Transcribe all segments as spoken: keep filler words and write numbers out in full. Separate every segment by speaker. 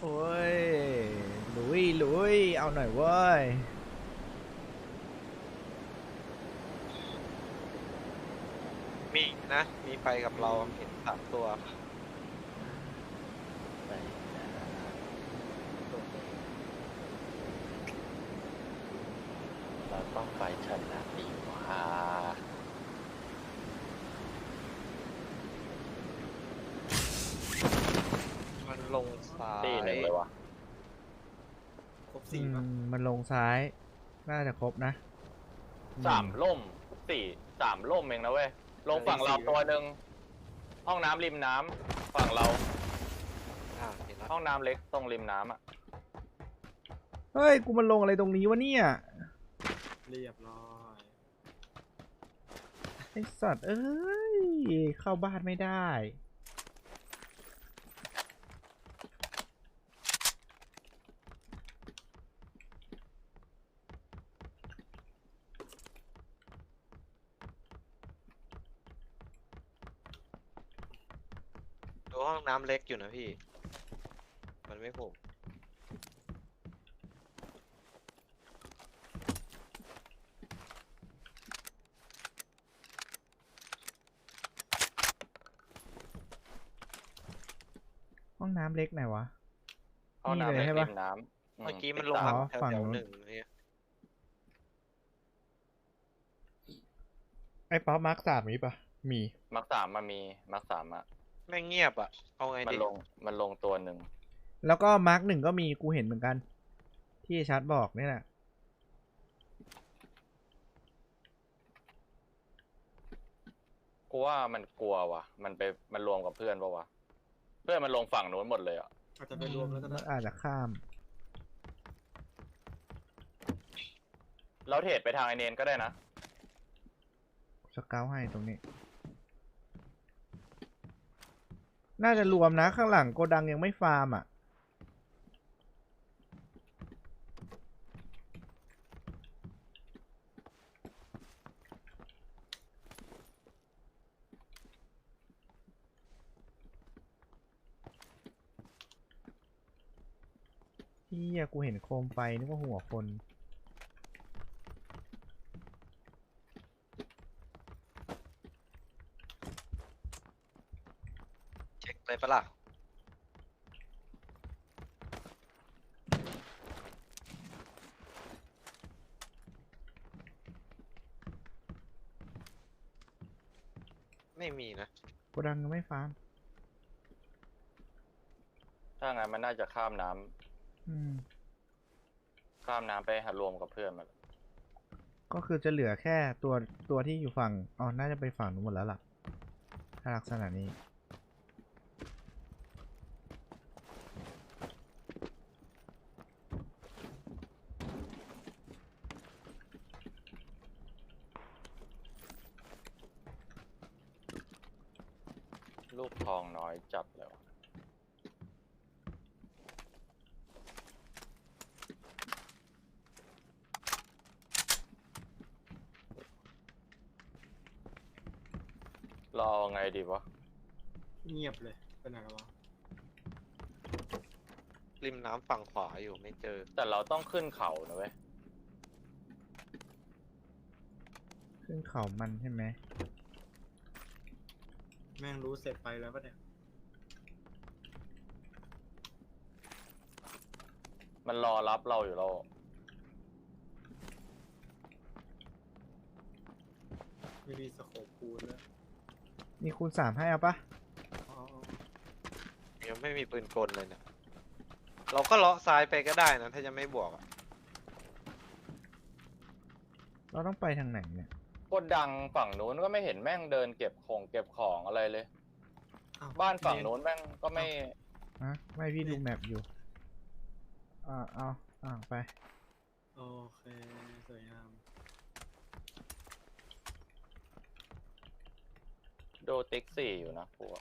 Speaker 1: โอ้ยลุยลุยเอาหน่อยเว้ย
Speaker 2: มีนะมีไปกับเราเห็นสามตัว
Speaker 3: ไปนะเราต้องไปชนะดีกว่า
Speaker 2: มันลงซ้าย
Speaker 3: ตีหนึ่งเลยวะ
Speaker 4: ครบสี่ป่ะ
Speaker 1: อืมมันลงซ้าย น่าจะครบนะ
Speaker 3: สามล่มสี่สามล่มเองนะเว้ยลงฝั่งเราตัวหนึ่งห้องน้ำริมน้ำฝั่งเรา
Speaker 2: อ่าเห็นแล้ว
Speaker 3: ห้องน้ำเล็กตรงริมน้ำอ่ะ
Speaker 1: เฮ้ย กูมันลงอะไรตรงนี้วะเนี่ย
Speaker 4: เรียบร้อย
Speaker 1: ไอสัตว์เอ้ย เข้าบ้านไม่ได้
Speaker 2: ดูห้องน้ำเล็กอยู่นะพี่ มันไม่ผม
Speaker 1: ห้องน้ำเล็กไหนวะ
Speaker 3: ห้องน้ำ
Speaker 1: นี่เลย
Speaker 3: เล็ก
Speaker 1: ใช่
Speaker 3: ริ
Speaker 1: ปะ
Speaker 3: มน้ำ
Speaker 2: เมื่อกี้มัน
Speaker 3: ติ
Speaker 2: ล
Speaker 3: ด
Speaker 2: ง
Speaker 3: ตา
Speaker 2: มา
Speaker 1: อ๋อ
Speaker 2: แถว
Speaker 1: ฝั่ง
Speaker 2: แถว
Speaker 1: นู้น
Speaker 2: หนึ่งเนี่ย
Speaker 1: ไอ้ป๊อปมาร์คสามมีปะมี
Speaker 3: มักสามมามีมักสามอ่ะ
Speaker 2: แม่งเงียบอ่ะเอาไง
Speaker 3: มัน
Speaker 2: ดี
Speaker 3: ลงมันลงตัวหนึ่ง
Speaker 1: แล้วก็มาร์คหนึ่งก็มีกูเห็นเหมือนกัน ที่ชัดบอกนี่แหละ
Speaker 3: กูว่ามันกลัวว่ะ มันไปมันรวมกับเพื่อนปะวะเพื่อนมันลงฝั่งนู้นหมดเลยอ่ะ
Speaker 4: อาจจะไปรวมแล้วก็ได้
Speaker 1: อาจจะข้าม
Speaker 3: เราเทรดไปทางไอเนนก็ได้นะ
Speaker 1: สเกลให้ตรงนี้ น่าจะรวมนะข้างหลังโกดังยังไม่ฟาร์มอ่ะ เฮียกูเห็นโคมไฟนึกว่าหัวคน
Speaker 2: เช็คเลยปะล่ะไม่มีนะ
Speaker 1: โกดังยังไม่ฟาร์ม
Speaker 3: ถ้างั้นมันน่าจะข้ามน้ำ
Speaker 1: อืม
Speaker 3: ข้ามน้ำไปหารวมกับเพื่อนมัน
Speaker 1: ก็คือจะเหลือแค่ตัวตัวที่อยู่ฝั่ง อ๋อ น่าจะไปฝั่งนู้นหมดแล้วล่ะ ถ้าลักษณะนี้
Speaker 3: ลูกทองน้อยจัดเลยวะรอไงดีวะ
Speaker 4: เงียบเลยเป็นไหนแล้ววะ
Speaker 2: ริมน้ำฝั่งขวาอยู่ไม่เจอ
Speaker 3: แต่เราต้องขึ้นเขานะเว้ย
Speaker 1: ขึ้นเขามันใช่ไหม
Speaker 4: แม่งรู้เสร็จไปแล้วปะเนี่ย
Speaker 3: มันรอรับเราอยู่แล้ว
Speaker 4: ไม่มีสโคปคูณแล้ว
Speaker 1: มีคูณสามให้เอาปะ
Speaker 4: อ๋อ
Speaker 2: ยังไม่มีปืนกลเลยเนี่ยเราก็เลาะซ้ายไปก็ได้นะถ้าจะไม่บวกอะ
Speaker 1: เราต้องไปทางไหนเนี่ย
Speaker 3: กดดังฝั่งนู้นก็ไม่เห็นแม่งเดินเก็บของเก็บของอะไรเลย
Speaker 4: อ้ว
Speaker 3: บ้านฝั่งนู้นแม่งก็ไม่
Speaker 1: ฮะ ไม่พี่ดูแมปอยู่ อ่าเอาอ่าไป
Speaker 4: โอเคสวยงาม
Speaker 3: โดติ๊กสี่อยู่นะพวก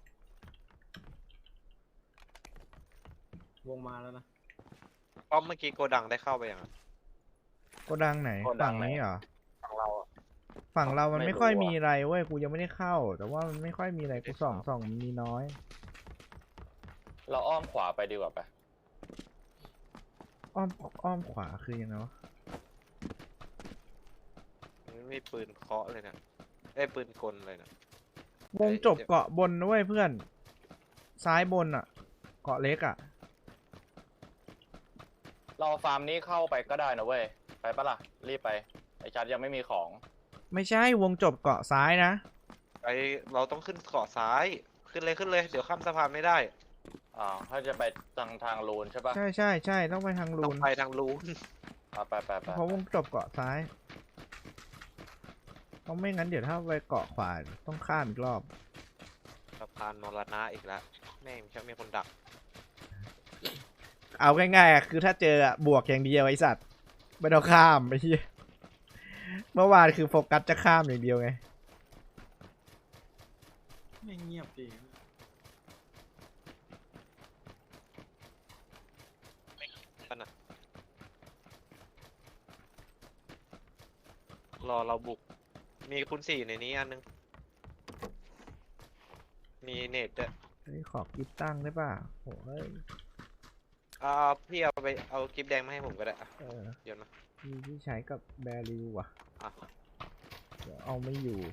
Speaker 4: วงมาแล้วนะ
Speaker 2: ป้อมเมื่อกี้โกดังได้เข้าไปยังอะ
Speaker 1: โกดังไหน ฝั่งนี้เหรอ
Speaker 2: ฝั่งเราอะ
Speaker 1: ฝั่งเรามันไม่ค่อยมีอะไรเว้ย กูยังไม่ได้เข้า แต่ว่ามันไม่ค่อยมีอะไร กูส่องส่องมันมีน้อย
Speaker 3: เราอ้อมขวาไปดีกว่าไป
Speaker 1: อ้อมอ้อมขวาคือยังไงวะ
Speaker 2: ไม่มีปืนเคาะเลยนะไอ้ยปืนกลเลยนะ
Speaker 1: วงจบเกาะบนนะเว้ยเพื่อน ซ้ายบนอ่ะ เกาะเล็กอ่ะ
Speaker 3: เราฟาร์มนี้เข้าไปก็ได้นะเว้ยไปปะล่ะรีบไปไอชัดยังไม่มีของ
Speaker 1: ไม่ใช่วงจบเกาะซ้ายนะ
Speaker 2: ไอเราต้องขึ้นเกาะซ้ายขึ้นเลยขึ้นเลยเดี๋ยวข้ามสะพานไม่ได้
Speaker 3: อ่าวถ้าจะไปทางทางลูนใช่ปะ
Speaker 1: ใช่ใช่ใช่ต้องไปทางลู
Speaker 2: ต้อง
Speaker 1: น
Speaker 2: ไปทางลูน
Speaker 3: อ่ะไปไปไป
Speaker 1: เพราะวงจบเกาะซ้ายเพราะไม่งั้นเดี๋ยวถ้าไปเกาะขวาต้องข้ามอีกรอบ
Speaker 2: สะพานมรณะอีกแล้วแม่งจะมีคนดัก
Speaker 1: เอาง่ายๆอะคือถ้าเจออะบวกอย่างเดียวไอสัตว์ไม่ต้องข้ามไปที่เมื่อวานคือโฟกัสจะข้ามอย่างเดียวไง
Speaker 4: ไม่เงียบดี
Speaker 2: รอเราบุก มีคุณสี่ในนี้อันนึง มีเน็ตด้วย
Speaker 1: เฮ้ยขอกิฟตั้งได้ป่ะโอ้ย
Speaker 2: อ่าพี่เอาไปเอากิฟต์แดงมาให้ผมก็ได้อะ
Speaker 1: เออ
Speaker 2: โยนมา
Speaker 1: มีที่ใช้กับแบริวว่ะ
Speaker 2: อ่ะ
Speaker 1: เดี๋ยวเอาไม่อยู่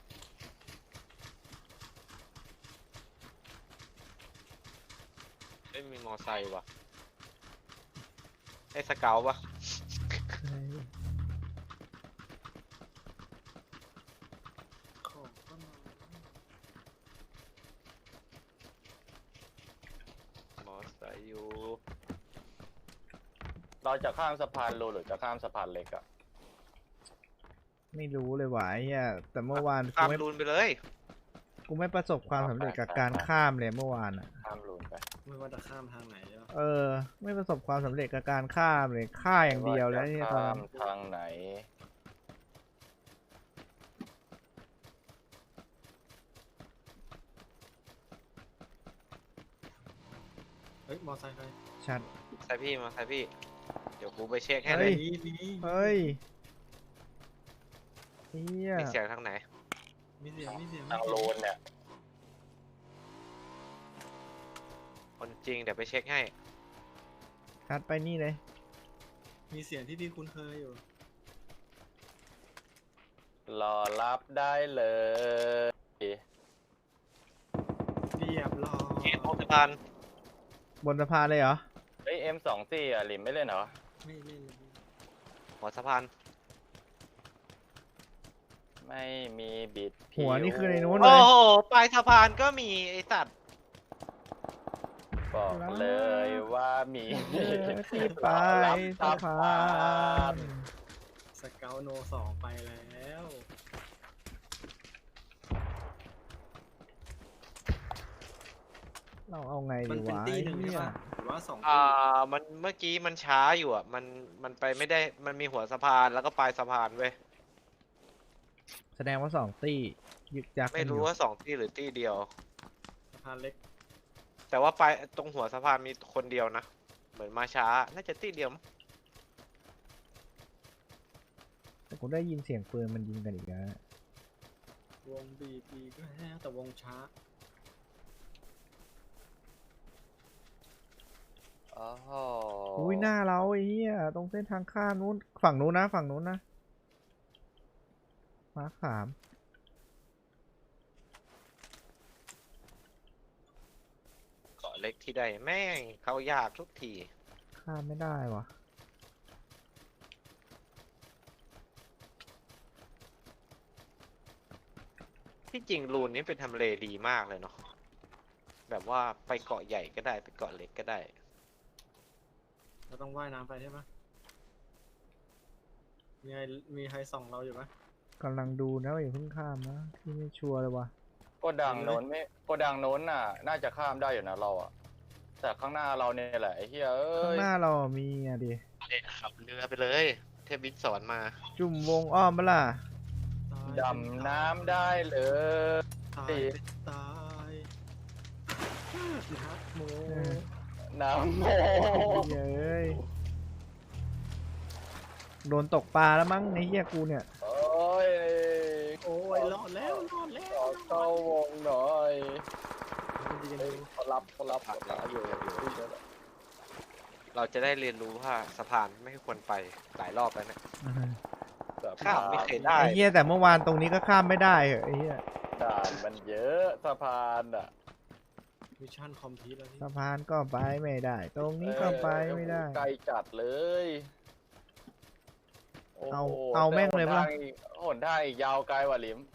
Speaker 2: ไม่มีมอไซค์ว่ะไอ้สเกลวะ
Speaker 1: เฮ้ย
Speaker 4: ของก็มา
Speaker 2: มอไซค์อยู่
Speaker 3: เราจะข้ามสะพานลูนหรือจะข้ามสะพานเล็กอะ
Speaker 1: ไม่รู้เลยว่ะไอ้เหี้ยแต่เมื่อวานกู
Speaker 2: ข้าม
Speaker 1: ไม่
Speaker 2: ลูนไปเลย
Speaker 1: กูไม่ประสบความสำเร็จกับการข้ามเลยเมื่อวานอ่ะ
Speaker 3: ข้ามลูนไป
Speaker 4: ไม่ว่าจะข้ามทางไหนแล้ว
Speaker 1: เออ ไม่ประสบความสำเร็จกับการข้ามเลยฆ่าอย่างเดียวแล้วเนี่ยตอน
Speaker 3: ข้า
Speaker 1: นั้
Speaker 3: ม
Speaker 1: น
Speaker 3: ทางไหน
Speaker 4: เฮ้ยมอไซค์ใคร
Speaker 1: ชัด
Speaker 2: ใส่พี่มาใส่พี่ เดี๋ยวกูไปเช็คให้
Speaker 1: เฮ้
Speaker 2: เลย ย
Speaker 4: นี่นี่
Speaker 1: เฮ้ยเฮีย
Speaker 2: มีเสียงทางไหน
Speaker 4: มีเสียงมีเสียง
Speaker 3: ทางลูนเนี่ย
Speaker 2: คนจริงเดี๋ยวไปเช็คให้
Speaker 1: ชัดไปนี่เลย
Speaker 4: มีเสียงที่พี่คุ้นเคยอยู่
Speaker 3: รอรับได้เลย
Speaker 4: เรียบร้อย
Speaker 2: เกมโอสะพาน
Speaker 1: บนสะพานเลยเหรอ
Speaker 3: เฮ้ย เอ็ม สองสี่ อ่ะหลิมไม่เล่นเหรอ
Speaker 4: ไม่เล่นเลย
Speaker 2: หัวสะพาน
Speaker 3: ไม่มีบิดผิ
Speaker 1: หัวนี่คือในนู้น
Speaker 2: โอ้โหปลายสะพานก็มีไอสัตว์
Speaker 3: บอกเลยว่ามี
Speaker 1: เออที่ปลายสะพาน
Speaker 4: สเกลโนสองไปแล้ว
Speaker 1: เราเอาไง
Speaker 4: มั
Speaker 1: ดี
Speaker 4: นเป็น
Speaker 1: วะ
Speaker 4: ตีหนึ่ง
Speaker 1: ไอ้
Speaker 4: ใช่
Speaker 1: เนี่ย
Speaker 4: ปะหรือว่าสอง
Speaker 2: อ่
Speaker 4: ตี
Speaker 2: ามันเมื่อกี้มันช้าอยู่อ่ะ มันมันไปไม่ได้มันมีหัวสะพานแล้วก็ปลายสะพานเว้ย
Speaker 1: แสดงว่าสองตี้ยึกยัก
Speaker 2: ไม่รู้ว่าสองที่หรือที่เดียว
Speaker 4: สะพานเล็ก
Speaker 2: แต่ว่าปลายตรงหัวสะพานมีคนเดียวนะ เหมือนมาช้า น่าจะที่เดียวมั้ง
Speaker 1: แต่กูได้ยินเสียงปืนมันยิงกันอีกแล้ว
Speaker 4: วงบีบีก็แห้แต่วงช้า
Speaker 3: โอ้โห
Speaker 1: อุ้ยหน้าเราไอ้เหี้ยตรงเส้นทางข้ามนู้นฝั่งนู้นนะฝั่งนู้นนะมาร์คสาม
Speaker 2: เกาะเล็กที่ใดแม่งเขายากทุกที
Speaker 1: ข้ามไม่ได้วะ
Speaker 2: ที่จริงรูนนี้เป็นทำเลดีมากเลยเนาะ แบบว่าไปเกาะใหญ่ก็ได้ไปเกาะเล็กก็ได้
Speaker 4: เราต้องว่ายน้ำไปใช่ปะมีใครมีใครส่องเราอยู่ปะ
Speaker 1: กำลังดูนะว่าอย่าเพิ่งข้ามนะพี่ไม่ชัวร์เลยวะ
Speaker 3: โกดังโน้นไม่โกดังโน้นน่ะ น่าจะข้ามได้อยู่นะเราอะแต่ข้างหน้าเราเนี่ยแหละไอ้เหี้ยเอ้
Speaker 1: ข้าง
Speaker 3: ย
Speaker 1: หน้าเราอะมีอะดิ
Speaker 2: เด็ขับเรือไปเลย เทพบินสอนมา
Speaker 1: จุ่มวงอ้อมปะล่ะ
Speaker 4: ตาย
Speaker 3: ดำน้ำได้เลย
Speaker 4: ตายเป็นตายนักโม
Speaker 1: เออ
Speaker 3: น้ำโม
Speaker 1: เหี้ยเอ้ยโดนตกปลาแล้วมั้งในเหี้ยกูเนี่ย
Speaker 3: โอ้ย
Speaker 4: โอ้ยรอดแล้วรอดแล้
Speaker 3: ข
Speaker 4: ว
Speaker 3: อเข้าวงหน่อย
Speaker 4: มันดีกัน
Speaker 3: เฮ้
Speaker 4: ดี
Speaker 3: ยเขารับเขารับเขารับอยู่อยู่อยู่
Speaker 2: เราจะได้เรียนรู้ว่าสะพานไม่ควรไปหลายรอบแล้วเนี่ย
Speaker 3: สะ
Speaker 2: ข้ามไม่เคยได้
Speaker 1: ไอ้เหี้ยแต่เมื่อวานตรงนี้ก็ข้ามไม่ได้เหรอไอ้เหี้ย
Speaker 3: ด่านมันเยอะสะพานอ่ะ
Speaker 4: มิชชั่นคอมพลีทแล้วพี่
Speaker 1: สะพานก็ไปไม่ได้ ตรงนี้ก็ไปไม่ได้
Speaker 3: ไกลจัดเลยโโห
Speaker 1: เอาเอาแม่งเลยปะ
Speaker 3: แต่หนทางอีกหนทางอีกยาวไกลกว่าลิม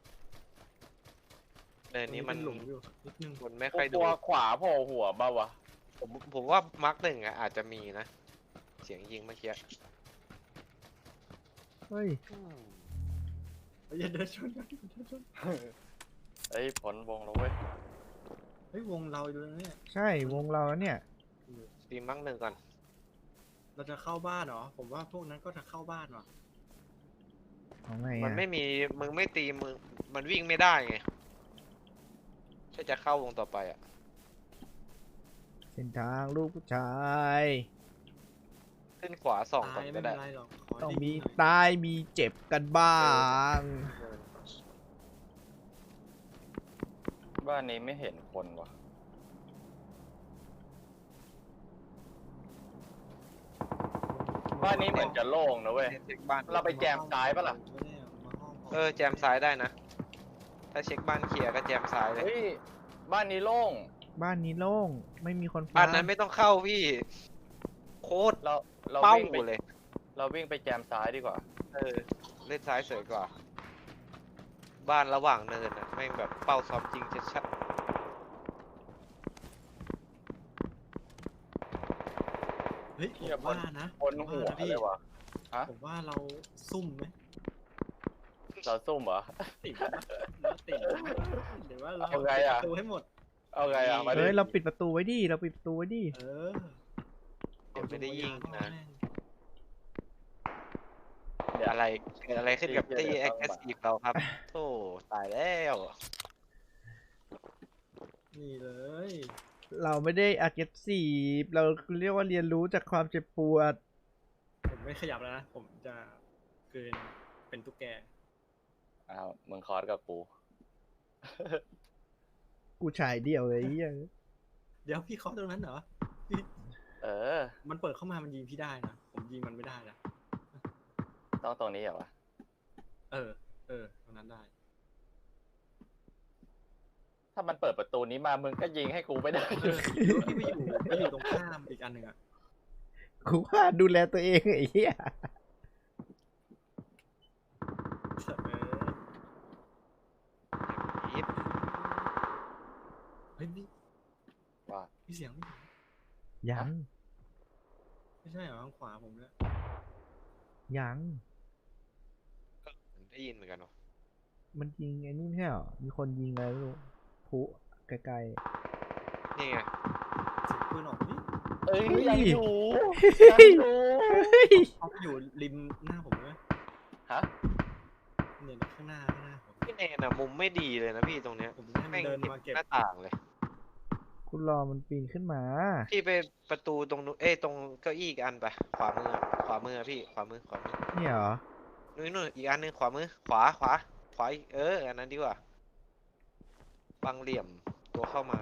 Speaker 2: เนินนี้มัน
Speaker 4: เป็หลุมอยู่นิดนึง
Speaker 2: คนไม่ค่อย
Speaker 3: ก
Speaker 2: ดู
Speaker 3: ลัวขวาโผล่หัวบ้าวะ
Speaker 2: ผมผมว่ามาร์กหนึ่งอ่ะอาจจะมีนะ เสียงยิงเมื่อกี้
Speaker 1: เฮ้ย
Speaker 4: เฮ้ยอย่าเดินชนกันอย่าเดินชน
Speaker 3: เฮ้ยผลวงแล้วเว้ย
Speaker 4: เฮ้ยวงเราอยู่แล้วเนี่ย
Speaker 1: ใช่วงเราแล้วเนี่ย
Speaker 2: ตีมาร์กหนึ่งก่อน
Speaker 4: เราจะเข้าบ้านเหรอผมว่าพวกนั้นก็จะเข้าบ้านว่ะ
Speaker 1: เอาไง
Speaker 2: มัน
Speaker 1: อะ
Speaker 2: ไม่มีมึงไม่ตีมึงมันวิ่งไม่ได้ไงถ้าจะเข้าวงต่อไปอ่ะ
Speaker 1: เส้นทางลูกผู้ชาย
Speaker 2: ขึ้นขวาสอง
Speaker 4: ตา
Speaker 2: ก่อน
Speaker 4: ย
Speaker 2: ก็
Speaker 4: ไม่เป็
Speaker 2: ได้
Speaker 4: นไรหรอกขอ
Speaker 1: ต้อง
Speaker 4: ได้
Speaker 1: มี
Speaker 4: ยิงหน่อย
Speaker 1: ตายมีเจ็บกันบ้าง
Speaker 3: บ้านนี้ไม่เห็นคนวะบ้านนี้เหมือนจะโล่งนะเว้ย
Speaker 2: เช็คบ้าน
Speaker 3: เราไปแจมซ้ายปะล่ะ
Speaker 4: ไม่ได้มาห้อง
Speaker 2: เออแจมซ้ายได้นะ ถ้าเช็คบ้านเคลียร์ก็แจมซ้ายเลย
Speaker 3: เฮ้ยบ้านนี้โล่ง
Speaker 1: บ้านนี้โล่งไม่มีคน
Speaker 2: บ้าน
Speaker 1: ฟ้า
Speaker 2: นั้นไม่ต้องเข้าพี่ โคตร
Speaker 3: เราเรา
Speaker 2: เป้า
Speaker 3: วิ่งไป
Speaker 2: เลย
Speaker 3: เราวิ่งไปแจมซ้ายดีกว่า
Speaker 2: เออเล่นซ้ายสวยกว่า บ้านระหว่างเนินอ่ะแม่งแบบเป้าซ้อมจริงชัด
Speaker 4: เฮ้ยผ
Speaker 3: เหี้ย
Speaker 4: มว่านะ
Speaker 3: บนหัว
Speaker 4: ผมว่านะพี่
Speaker 3: เลยวะ
Speaker 4: ผมว่าเราซุ่มไหม
Speaker 3: เราซุ่มเหรอ
Speaker 4: ติดนะเราติดนะเดี๋ยวว่าเรา
Speaker 3: เอาไงอะ
Speaker 4: ปิดประตูให้หมด
Speaker 3: เอาไงอ่ะมาดิ
Speaker 1: เฮ้ยเราปิดประตูไว้ดิเราปิดประตูไว้ดิ
Speaker 4: เออ
Speaker 2: ๆเดี๋ยวไม่ได้ยิงนะ
Speaker 3: เดี๋ยว
Speaker 2: อะไรเกิดอะไรขึ้นกับ
Speaker 3: เดี๋
Speaker 2: ตี
Speaker 3: ยว
Speaker 2: แอคทีฟเราครับโธ่ตายแล้ว
Speaker 4: นี่เลย
Speaker 1: เราไม่ได้ aggressive เราเรียกว่าเรียนรู้จากความเจ็บปวด
Speaker 4: ผมไม่ขยับแล้วนะ ผมจะเกินเป็นตุ๊กแก
Speaker 3: อ้าวมึงคอร์สกับกู
Speaker 1: กูฉายเดี่ยวเลยไอ้เหี้ย
Speaker 4: เดี๋ยวพี่เคาะตรงนั้นเหรอ
Speaker 3: เออ
Speaker 4: มันเปิดเข้ามามันยิงพี่ได้นะ ผมยิงมันไม่ได้นะ
Speaker 3: ต้องตรงนี้เหรอวะ
Speaker 4: เออ เออ ตรงนั้นได้
Speaker 3: ถ้ามันเปิดประตูนี้มามึงก็ยิงให้กูไม่ได้
Speaker 4: เออหรือว่าพี่ไปอยู่ไปอยู่ตรงข้ามอีกอันหนึ่งอะ
Speaker 1: กูว่าดูแลตัวเองไอ้เหี้ย
Speaker 4: เออ
Speaker 2: อีท
Speaker 4: เฮ้ยพี่
Speaker 3: ว่า
Speaker 4: พี่เสียงพี่
Speaker 1: ยัง
Speaker 4: ไม่ใช่เหรอทางขวาผมเนี่ย
Speaker 1: ยัง
Speaker 2: ได้ยินเหมือนกันเนาะ
Speaker 1: มันยิงไอ้นี่ไม่ใช่เหรอมีคนยิงอะไรไม่รู้ผุไกล
Speaker 2: นี่ไง
Speaker 4: เสียงปืนออกนี่
Speaker 3: เอ้ยยังอยู่
Speaker 1: ๆ
Speaker 3: ยังอยู่
Speaker 4: เขาอยู่ริมหน้าผมเลย
Speaker 3: ฮะ
Speaker 4: เนี่ยข้างหน้าข้างหน้าผม
Speaker 2: พี่เนนอะมุมไม่ดีเลยนะพี่ตรงเนี้ย
Speaker 4: ผมให้มั
Speaker 2: แม่
Speaker 4: น
Speaker 2: ง
Speaker 4: เดิน
Speaker 2: เห็น
Speaker 4: มาเก็บ
Speaker 2: หน้าต่างเลย
Speaker 1: กูรอมันปีนขึ้นมา
Speaker 2: พี่ไปประตูตรงนู้นเอ้ยตรงเก้าอี้อีกอันไปขวามือขวามือพี่ขวามือขวามือ
Speaker 1: เนี่ยเหรอ
Speaker 2: นู่นนู่นอีกอันหนึงขวามือขวาขวาขวาอีกเอออันนั้นดีกว่าบังเหลี่ยมตัวเข้ามา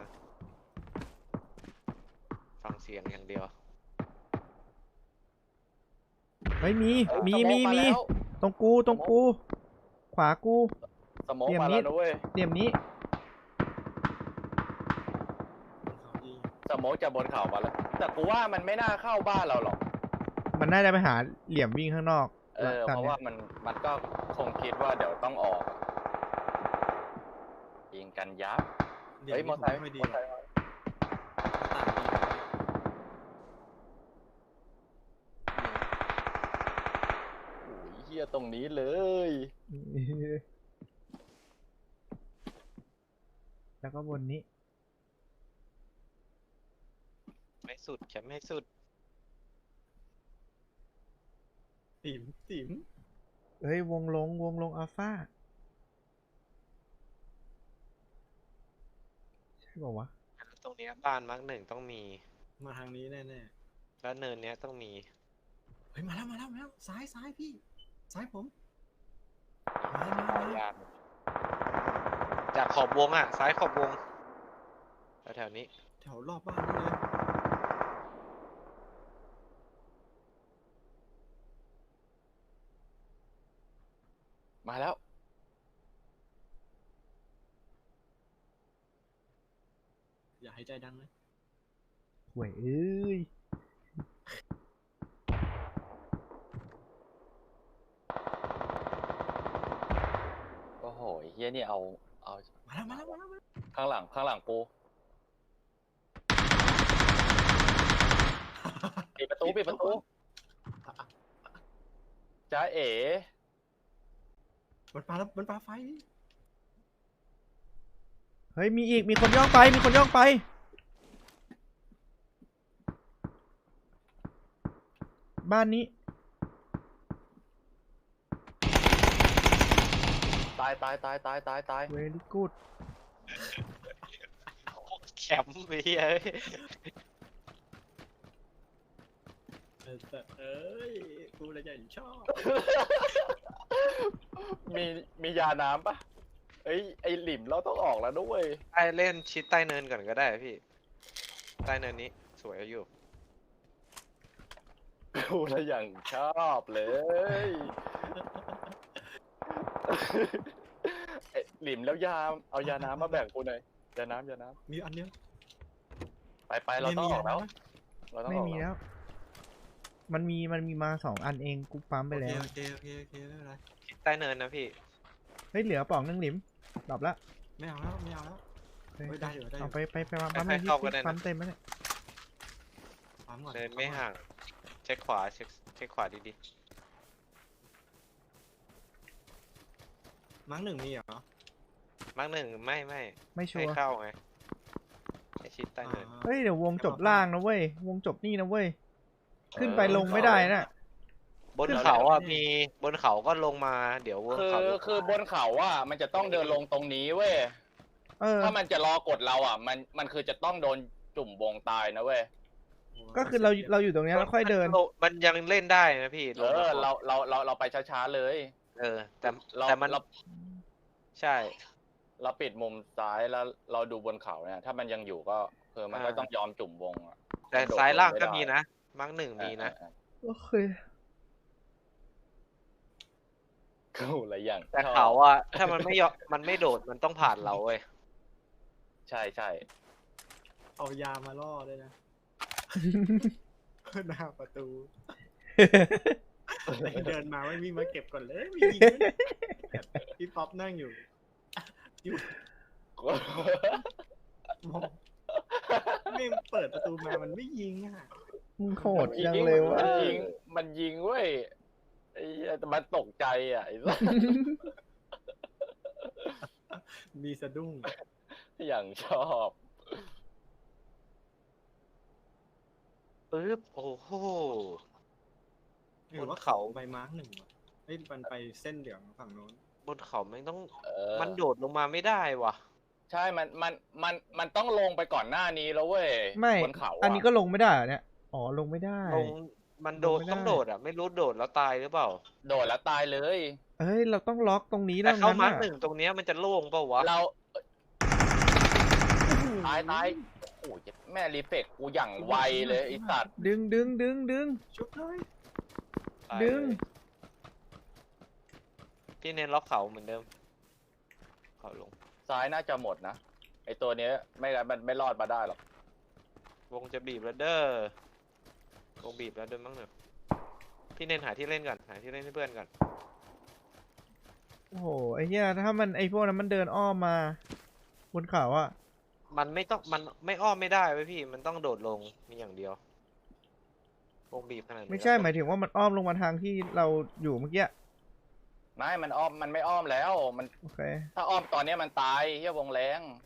Speaker 2: ฟังเสียงอย่างเดียว
Speaker 1: เฮ้ยมี
Speaker 3: เอ้ย
Speaker 1: มี
Speaker 3: สโ
Speaker 1: มี
Speaker 3: า
Speaker 1: มี
Speaker 3: แล้ว
Speaker 1: ตรงกูตรงกู ขวากู
Speaker 3: สโมอง
Speaker 1: เตรียม
Speaker 3: มา
Speaker 1: นิ
Speaker 3: แล้ว
Speaker 1: ด
Speaker 3: นะเว้ย
Speaker 1: เหลี่ยมนี้
Speaker 4: เขายิง
Speaker 3: สโมองจะบนเขามาแล้ว แต่กูว่ามันไม่น่าเข้าบ้านเราหรอก
Speaker 1: มันน่าจะไปหาเหลี่ยมวิ่งข้างนอก
Speaker 3: เออ
Speaker 1: ต
Speaker 3: เพ
Speaker 1: น
Speaker 3: ราะ
Speaker 1: นี้ย
Speaker 3: ว่ามันมันก็คงคิดว่าเดี๋ยวต้องออกอะยิงกันยับ
Speaker 4: เดี๋ยว
Speaker 3: เฮ้ยม
Speaker 4: นี้
Speaker 3: อ
Speaker 4: ผม
Speaker 3: ไซค์
Speaker 4: ไม่ค่อยดี
Speaker 3: มอ
Speaker 4: หร
Speaker 3: ไซ
Speaker 4: อก
Speaker 3: ค์มา
Speaker 4: หน้าต่างดี
Speaker 3: โอ้ยเฮียตรงนี้เลย
Speaker 1: แล้วก็บนนี้
Speaker 2: ไม่สุดแคมไม่สุด
Speaker 4: ติ๋มติ๋ม
Speaker 1: เฮ้ยวงลงวงลงอัลฟาใช่ป่าวะ
Speaker 2: ตรงเนี้ยบ้านมาร์กหนึ่งต้องมี
Speaker 4: มาทางนี้แน่
Speaker 2: แล้วเนินเนี้ยต้องมี
Speaker 4: ๆเฮ้ยมาแล้วมาแล้วมาแล้วซ้ายซ้ายพี่ ซ้ายผมมามา
Speaker 2: ขอ
Speaker 4: มา
Speaker 2: ยานจากขอบวงอ่ะ ซ้ายขอบวงแถวๆนี้
Speaker 4: แถวรอบบ้านนี่เลย
Speaker 3: มาแล้ว
Speaker 4: อย่าให้ใจดังนะ
Speaker 1: ห่วยเอ้ย
Speaker 3: โอ้โหเฮียนี่เอาเอา
Speaker 4: มาแล้วมาแล้วมาแล้วมาแล้ว
Speaker 3: ข้างหลังข้างหลังกูปิดประตูปิดประตูจ้าเอ๋
Speaker 4: มันปาแล้วมันปาไฟ
Speaker 1: เฮ้ยมีอีกมีคนย่องไปมีคนย่องไปบ้านนี้
Speaker 3: ตายตายตายตายตายตาย
Speaker 1: very good
Speaker 2: แคมป์ไปเฮ้ย
Speaker 4: เออแต่เอ้ยกูเลยใหญ่ชอบ
Speaker 3: มีมียาน้ำปะเอ้ยไอหลิมเราต้องออกแล้วด้วย
Speaker 2: ใต้เล่นชิดใต้เนินก่อนก็ได้พี่ ใต้เนินนี้สวยอยู่
Speaker 3: กูละอย่างชอบเลยไอ้หลิมแล้วยาเอายาน้ำมาแบ่งกูหน่อยยาน้ำยาน้
Speaker 4: มีอันเดียว
Speaker 3: ำไปไปเราต้องออกแล้ว เราต้อง
Speaker 1: ไม่
Speaker 3: ออก
Speaker 1: มี
Speaker 3: แล้ว
Speaker 1: แล้ว มันมีมันมีมาสองอันเองกูปั๊มไปแล้ว
Speaker 4: โอเคโอเคโอเคไม่เป็นไร
Speaker 2: ชิดใต้เนินนะพี่
Speaker 1: เฮ้ยเหลือป่องนึงหลิมดรอปละ
Speaker 4: ไม่เอาแล้วไม่เอาแล้ว
Speaker 1: เฮ้ย
Speaker 4: เฮ้ยได้อยู่ได้อยู่
Speaker 1: เอาไปไปไปมาปั๊ม
Speaker 2: ให้
Speaker 1: ให้
Speaker 2: เข้าก็ได้นะ
Speaker 1: ปั๊มเต็มแล้วเนี่ย
Speaker 4: ปั๊มก่อน
Speaker 2: เนินไม่ห่าง เช็คขวาเช็คเช็คขวาดี
Speaker 4: มั้งหนึ่งมีเหรอ
Speaker 2: ๆมาร์กหนึ่งไม่ไม่
Speaker 1: ไม่ชั
Speaker 2: ให้
Speaker 1: วร์
Speaker 2: เข้าไงให้ชิดใต้เนิน
Speaker 4: อ่า
Speaker 1: เฮ้ยเดี๋ยววงจบล่างนะเว้ยวงจบนี่นะเว้ยขึ้นไปลงไม่ได้น่ะ
Speaker 2: บนเขาอ่ะมีบนเขาก็ลงมาเดี๋ยวบน
Speaker 3: คือ
Speaker 2: เขา
Speaker 3: คือบนเขาอ่ะมันจะต้องเดินลงตรงนี้เว้ย
Speaker 1: เออ
Speaker 3: ถ้ามันจะรอกดเราอ่ะ มันมันคือจะต้องโดนจุ่มวงตายนะเว้ย
Speaker 1: ก็คือเราเราอยู่ตรงเนี้ยแล้วค่อยเดิน
Speaker 2: มันยังเล่นได้นะพี่
Speaker 3: เอ
Speaker 2: ลงม
Speaker 3: อ
Speaker 2: ก่น
Speaker 3: เราเราเราเราไปช้าๆเลย
Speaker 2: เออ แต่
Speaker 3: เรา
Speaker 2: แต่มัน
Speaker 3: เรา
Speaker 2: ใช่
Speaker 3: เราปิดมุมซ้ายแล้วเราดูบนเขาเนี่ย ถ้ามันยังอยู่ก็คือมันก็
Speaker 2: อ่า
Speaker 3: ต้องยอมจุ่มวงอ่ะ
Speaker 2: แต่
Speaker 3: โดด
Speaker 2: ซ้ายล่าง
Speaker 3: ลงไม่
Speaker 2: ก็
Speaker 3: ได้
Speaker 2: มีนะมาร์กหนึ่งมีนะ
Speaker 3: เออ
Speaker 1: โอเค
Speaker 3: เออกูอะไรอย่าง
Speaker 2: แต่
Speaker 3: ชอบ
Speaker 2: เขาอ่ะถ้ามันไม่ยอมมันไม่โดดมันต้องผ่านเราเว้ย
Speaker 3: ใช่ใช่
Speaker 4: เอายามาล่อด้วยนะ หน้าประตูเดินมาไม่มีมาเก็บก่อนเลยไม่ยิงเลยพี่ป๊อปนั่งอยู่มองไม่เปิดประตูมามันไม่ยิงอ่ะ
Speaker 1: มึงโหดจังเลยวะ
Speaker 3: มันยิงมันยิงเว้ยไอ้เหี้ยแต่มันตกใจอ่ะไอ้สัส
Speaker 4: มีสะดุ้ง
Speaker 3: อย่างชอบ
Speaker 2: ปึ๊บโอ้โห
Speaker 4: หรือว่า
Speaker 2: บนเขา
Speaker 4: เขาใบมาร์กหนึ่งวะเฮ้ยมันไปเส้นเหลืองฝั่งโน้น
Speaker 2: บนเขาไม่ต้อง
Speaker 3: เออ
Speaker 2: มันโดดลงมาไม่ได้ว่ะ
Speaker 3: ใช่มันมันมันมันต้องลงไปก่อนหน้านี้แล้วเว้ย
Speaker 1: ไม่
Speaker 3: บนเขาะ
Speaker 1: อันนี้ก็ลงไม่ได้เหรอเนี่ยอ๋อลงไม่ได้
Speaker 2: ลงมันโดด
Speaker 1: ลงไม่ได้
Speaker 2: ต้องโดดอ่ะไม่รู้โดดแล้วตายหรือเปล่า
Speaker 3: โดดแล้วตายเลย
Speaker 1: เฮ้ยเราต้องล็อกตรงนี้
Speaker 2: แต่
Speaker 1: แล้ว
Speaker 2: เข้า
Speaker 1: นั้น
Speaker 2: มาร์ก
Speaker 1: น่ะ
Speaker 2: หนึ่งตรงเนี้ยมันจะโล่งเปล่าวะ
Speaker 3: เราตายตายโอ้ยแม่รีเฟกกูอย่างไวเลยไอ้สัตว์
Speaker 1: ดึงดึงดึงดึง
Speaker 4: ชุบเลย
Speaker 2: ตาย
Speaker 1: ดึง
Speaker 2: เลยพี่เน้นล็อกเขาเหมือนเดิมเขาลง
Speaker 3: ซ้ายน่าจะหมดนะไอตัวเนี้ยไม่งั้นมันไม่รอดมาได้หรอก
Speaker 2: วงจะบีบแล้วเด้อวงบีบแล้วเดินบ้างเนอะพี่เน้นหาที่เล่นก่อนหาที่เล่นให้เพื่อนก่อน
Speaker 1: โอ้โหไอ้เหี้ยถ้ามันไอ้พวกนั้นมันเดินอ้อมมาบนเขาอะ
Speaker 2: มันไม่ต้องมันไม่อ้อมไม่ได้เว้ยพี่มันต้องโดดลงมีอย่างเดียววงบีบขนาดนี้
Speaker 1: ไม่ใช่
Speaker 2: แล้ว
Speaker 1: หมายถึงว่ามันอ้อมลงมาทางที่เราอยู่เมื่อกี้
Speaker 3: ไม่มันอ้อมมันไม่อ้อมแล้วมัน
Speaker 1: โอเค
Speaker 3: ถ้าอ้อมตอนเนี้ยมันตายเฮียวงแรง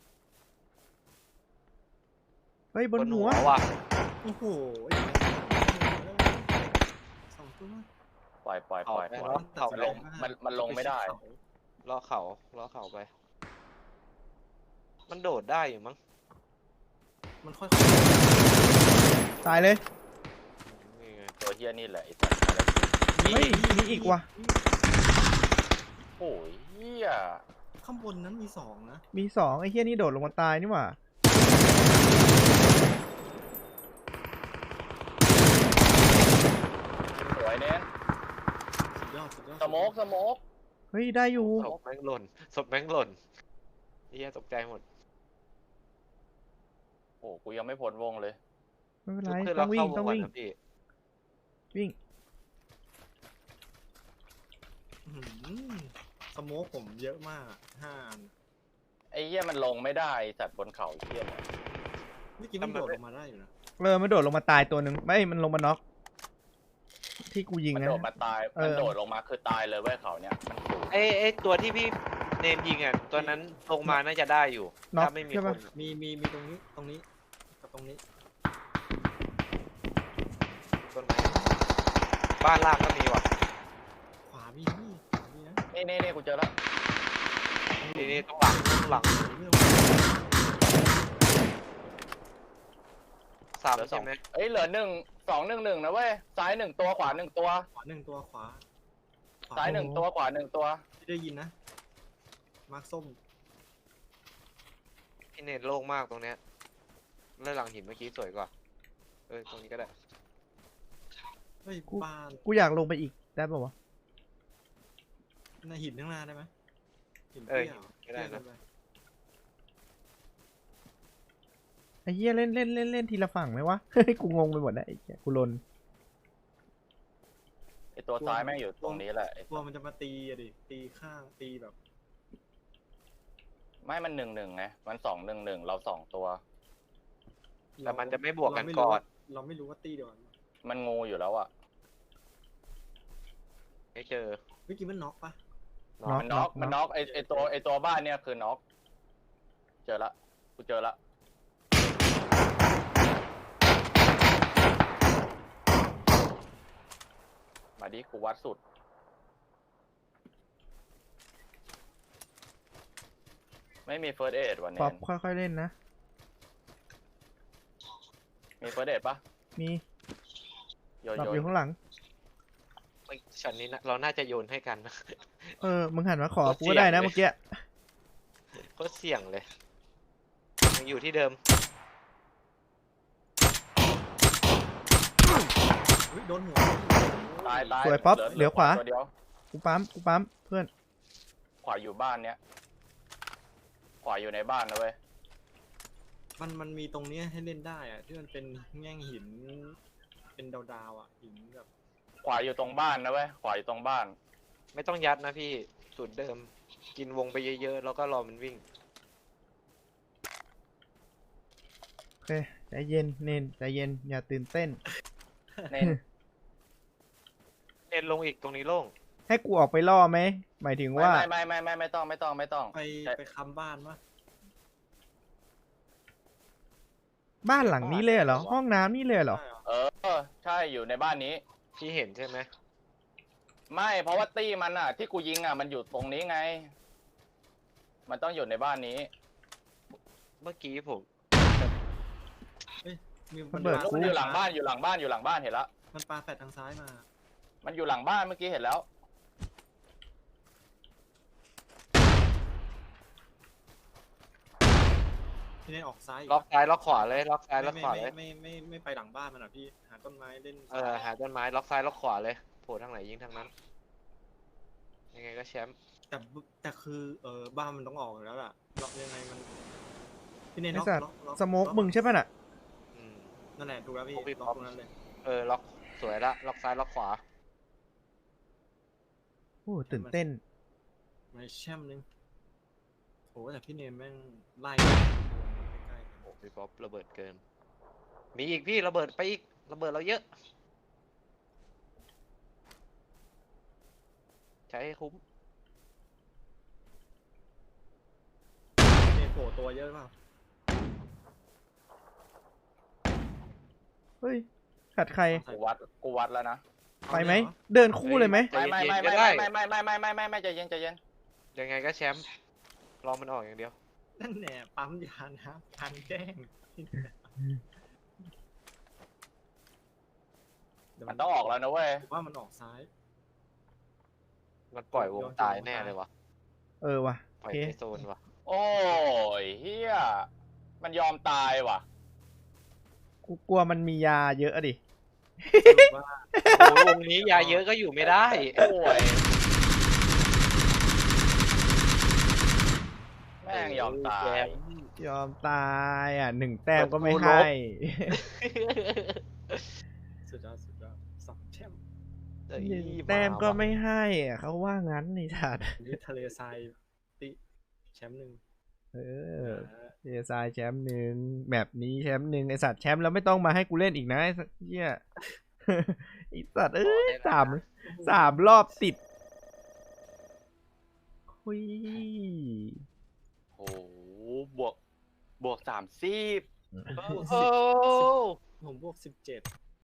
Speaker 1: เฮ้ยบนหัว
Speaker 2: ว่ะ
Speaker 4: โอ้โหสองตัว
Speaker 3: ปล่อยปล่อยปล่อยปล่อย
Speaker 2: ล็อกเขา
Speaker 3: มัน
Speaker 2: ล
Speaker 3: ล
Speaker 2: ง
Speaker 3: งมันมันลงไม่ได้
Speaker 2: ล้อเขาล้อเขาไป มันโดดได้อยู่มั้ง
Speaker 4: มันค่อย
Speaker 1: ตายเลย
Speaker 2: นี่ไง
Speaker 3: ตัวเฮียนี่แหละไอ้สัตว์
Speaker 1: เฮ้ยมีอีกว่ะ
Speaker 3: โอ้ยเฮีย
Speaker 4: ข้างบนนั้นมีสองนะ
Speaker 1: มีสองไอ้เหี้ยนี่โดดลงมาตายนี่หว่า
Speaker 3: สวยเน้น
Speaker 4: สุดยอดสุดยอด
Speaker 3: สโมกสโมก
Speaker 1: เฮ้ยได้อยู่
Speaker 2: ศพแม่งหล่นศพแม่งหล่นเฮียตกใจหมด
Speaker 3: โอ้กูยังไม่พ้นวงเลย
Speaker 1: ไม่เป็นไร
Speaker 2: คือ
Speaker 1: ต้
Speaker 2: เรา
Speaker 1: องวิ่
Speaker 2: เข้าง ว
Speaker 1: ต้อง
Speaker 2: งก่อน
Speaker 1: วิ่ง
Speaker 2: นะพี่
Speaker 1: วิ่ง
Speaker 4: อื้อหือสโมกผมเยอะมากห้าอัน
Speaker 3: ไอ้เหี้ยมันลงไม่ได้ไอ้สัตว์บนเขาไอ้เหี้ยเนี่ย
Speaker 4: เมื่อกี้มันโดดลงมาได้อยู่นะ
Speaker 1: เออมันโดดลงมาตายตัวหนึ่งไม่มันลงมาน็อกที่กูยิง
Speaker 3: มัน
Speaker 1: นะ
Speaker 3: โดดมาตาย
Speaker 1: เออ
Speaker 3: มันโดดลงมาคือตายเลยเว้ยเขาเนี่ยมันสูง
Speaker 2: ไอ้ไอ้ตัวที่พี่เนมยิงอ่ะตัวนั้นลงมาน่าจะได้อยู่
Speaker 1: น็อก
Speaker 2: ถ้าไม่มี
Speaker 1: ใช่
Speaker 2: ค
Speaker 1: ปะ
Speaker 2: น
Speaker 4: มีมีมีตรงนี้ตรงนี้กับตรงนี้
Speaker 2: ต้นไม้บ้านล่างก็มีว่ะ
Speaker 4: ขวามีนี่ขวามีนะ
Speaker 3: นี่นี่นี่กูเจอแล้ว
Speaker 2: ทีนี้ต้องหลังต้องหลัง
Speaker 4: เรื่อง
Speaker 2: สาม
Speaker 3: เหลือสอ
Speaker 2: ใช่
Speaker 3: ง
Speaker 2: ไหม
Speaker 3: เอ้ยเหลือหนึ่งสองหนึ่งหนึ่งนะเว้ยซ้ายหนึ่งตัวขวาหนึ่งตัว
Speaker 4: ขวาหนึ่งตัวขวาขว
Speaker 3: ซ้ายหนึ่งตัวขวาหนึ่งตัว
Speaker 4: ที่ได้ยินนะมาร์คส้ม
Speaker 2: พี่เนตโล่งมากตรงเนี้ยเลื่อนหลังหินเมื่อกี้สวยกว่าเออตรงนี้ก็ได้
Speaker 4: เฮ้ยบ้าน
Speaker 1: กูอยากลงไปอีกได้ป่าวะ
Speaker 4: ในหินข้างหน้าได้ไหมหิน
Speaker 2: เออ
Speaker 4: เตี้ยหร
Speaker 2: ก็ได้นะ
Speaker 4: เตี้ยเกิป
Speaker 1: ไอ้เหี้ยเล่นเล่นเล่นเล่นทีละฝั่งไหมวะ เฮ้ยกูงงไปหมดแล้วไอ้เหี้ยกูลน
Speaker 3: ไอตัวซ้ายแม่งอยู่ตรงนี้แหละไอ้
Speaker 4: กลัวมันจะมาตีอะดิตีข้างตีแบบ
Speaker 3: ไม่มันหนึ่งหนึ่งไงมันสองหนึ่งหนึ่งเราสองตัว
Speaker 2: แต่มันจะไม่บวกกัน
Speaker 4: เราไม่
Speaker 2: ก่
Speaker 4: รู้
Speaker 2: อน
Speaker 4: ว่าเราไม่รู้ว่าตีเดียวกัน
Speaker 3: มันงูอยู่แล้วอ่ะ
Speaker 2: ไม่เจอ
Speaker 4: เมื่อกี้มันน็อกปะ
Speaker 2: เนาะ
Speaker 1: น็อก
Speaker 3: มันน็อกมันน็อกไอไอตัวไอตัวบ้านเนี่ยคือน็อกเจอละกูเจอละมาดิกูวัดสุดไม่มีเฟิร์สเอดวัน
Speaker 1: ป๊
Speaker 3: นี้
Speaker 1: อปค่อยๆเล่นนะ
Speaker 3: มีเฟิร์สเอดปะ
Speaker 1: มี
Speaker 3: โย
Speaker 1: หลับ
Speaker 3: โย่
Speaker 1: อยู่ข้างหลัง
Speaker 2: ไอ้ช็อตนี้นะเราน่าจะโยนให้กันนะ
Speaker 1: เออมึงหันมาขอ
Speaker 2: โคตร
Speaker 1: กูก็ได้นะ
Speaker 2: เสี่ยงเลย
Speaker 1: เมื่อกี้
Speaker 2: โคตรเสี่ยงเลยยังอยู่ที่เดิม
Speaker 4: เฮ้ยโดนหัว
Speaker 3: ตายตาย
Speaker 1: สวยป๊อปเหลือขวา
Speaker 3: ตัวเดียว
Speaker 1: กูปั๊มกูปั๊มเพื่อน
Speaker 3: ขวาอยู่บ้านเนี้ยขวาอยู่ในบ้านนะเว้ย
Speaker 4: มันมันมีตรงเนี้ยให้เล่นได้อะที่มันเป็นแง่งหิน เป็นดาวๆอ่ะหินแบบ
Speaker 3: ขวาอยู่ตรงบ้านนะเว้ยขวาอยู่ตรงบ้าน
Speaker 2: ไม่ต้องยัดนะพี่สูตรเดิม กินวงไปเยอะๆแล้วก็รอมันวิ่ง
Speaker 1: โอเคใจเย็นเนนใจเย็นอย่าตื่นเต้น
Speaker 3: เน้น
Speaker 2: เน้นลงอีกตรงนี้โล่ง
Speaker 1: ให้กูออกไปล่อไหมหมายถึง
Speaker 3: ไม่
Speaker 1: ว่า
Speaker 3: ไม่ไม่ไม่ไม่ไม่ต้องไม่ต้องไม่ต้อง
Speaker 4: ไป
Speaker 3: ใช่
Speaker 4: ไปค้ำบ้านวะ
Speaker 1: บ้านหลังนี้เลยเหรอห้องน้ำนี่เลยเหรอ
Speaker 4: ได้เหรอ
Speaker 3: เออใช่อยู่ในบ้านนี้
Speaker 2: พี่เห็นใช่ไหม
Speaker 3: ไม่เพราะว่าตี้มันอ่ะ ที่กูยิงอ่ะมันอยู่ตรงนี้ไง มันต้องอยู่ในบ้านนี้
Speaker 2: เมื่อกี้ผม
Speaker 4: มี
Speaker 1: ระ
Speaker 4: มัน
Speaker 1: เบิด
Speaker 4: ปา
Speaker 1: กู
Speaker 3: มันอยู่หลังบ้านอยู่หลังบ้านอยู่หลังบ้านเห็นแล้ว
Speaker 4: มันปลาแฟดทางซ้ายมา
Speaker 3: มันอยู่หลังบ้านเมื่อกี้เห็นแล้ว
Speaker 4: ที่นี่ออกซ้าย
Speaker 2: ล็อกซ้ายล็อกขวาเลยล็อกซ้ายล็อก
Speaker 4: ไม่
Speaker 2: ขวา
Speaker 4: ไม่
Speaker 2: เลย
Speaker 4: ไม่ไม่ไม่ไม่ไปหลังบ้านมันอ่ะพี่หาต้นไม้เล่น
Speaker 2: เออหาต้นไม้ล็อกซ้ายล็อกขวาเลยโผล่ทางไหนยิงทางนั้น ยังไงก็แชมป์
Speaker 4: แต่บึแต่คือเออบ้านมันต้องออกอยู่แล้วล่ะล็อกยังไงมันพี่เนย
Speaker 1: ไอ้
Speaker 4: ล็อก
Speaker 1: สัตว์
Speaker 4: ล็อกล็อก
Speaker 1: สโมก
Speaker 4: ล็อ
Speaker 1: มึงใช่ป่ะน่ะ
Speaker 2: อืม
Speaker 4: นั่นแหละถูกแล้วพี่
Speaker 2: ล็อกพี่
Speaker 4: ล็
Speaker 2: ป๊
Speaker 4: อ
Speaker 2: อป
Speaker 4: กตรงนั้นเลย
Speaker 2: เออล็อกสวยละล็อกซ้ายล็อกขวา
Speaker 1: โอ้ตื่นเต้น
Speaker 4: มาแช่มนึงโอ้แต่พี่เนมแม่งไล่ใกล้
Speaker 2: โอ้พี่ป๊อประเบิดเกิน มีอีกพี่ระเบิดไปอีกระเบิดเราเยอะ ใช้ให้คุ้ม
Speaker 4: ๆพี่เนมโผล่ตัวเยอะเปล่า
Speaker 1: เฮ้ยขัดใคร
Speaker 3: กูวัดกูวัดแล้วนะ
Speaker 1: ไปไหมเดินคู่เลยไหม
Speaker 3: ไม่ไม่ไม่ไม่ไม่ไม่ไม่ไม่ไม่ไม่ไม่ใจเย็นใจเย็น
Speaker 2: ยังไงก็แชมป์รอมันออกอย่างเดียว
Speaker 4: นั่นแหละปั๊มยานะพันแกล้งเดี๋ยว
Speaker 3: มันต้องออกแล้วนะเว้ย
Speaker 4: ผมว่ามันออกซ้าย
Speaker 2: มันปล่อยวงตายแน่เลยวะ
Speaker 1: เออว่ะ
Speaker 2: ปล่อย
Speaker 1: โอเค
Speaker 2: ในโซนวะ
Speaker 3: โอ้ยเฮียมันยอมตายว่ะ
Speaker 1: กูกลัวมันมียาเยอะอะดิ
Speaker 4: สรุปว่า
Speaker 2: โอ้ยวงนี้ยาเยอะก็อยู่ไม่ได้
Speaker 3: โอ้ยงยอมตา
Speaker 2: แจ
Speaker 3: ย
Speaker 2: ม
Speaker 1: ยอมตายอ่ะหนึ่งแต้มก็ไม่
Speaker 2: ประตูลบ
Speaker 1: ให้
Speaker 4: สุดยอดสุดยอดสองแชมป์
Speaker 2: เอ้ย
Speaker 1: หนึ่งแต้มก็
Speaker 2: าว่ะ
Speaker 1: ไม่ให้อ่ะเขาว่างั้นนี่สัตว์
Speaker 4: อันนี้ทะเลทรายติแชมป์หนึ่ง
Speaker 1: เออ
Speaker 4: นะ
Speaker 1: เจซายแชมป์หนึ่งแบบนี้แชมป์หนึ่งไอสัตว์แชมป์แล้วไม่ต้องมาให้กูเล่นอีกนะไอ้สัตว์เหี้ย ไอสัตว์เอ้ยสามสามรอบติดคุย
Speaker 5: โอ้โหบวกบวกสามสิบ
Speaker 4: บวก
Speaker 2: โอ้
Speaker 4: สิบผมบวกสิบเจ็ด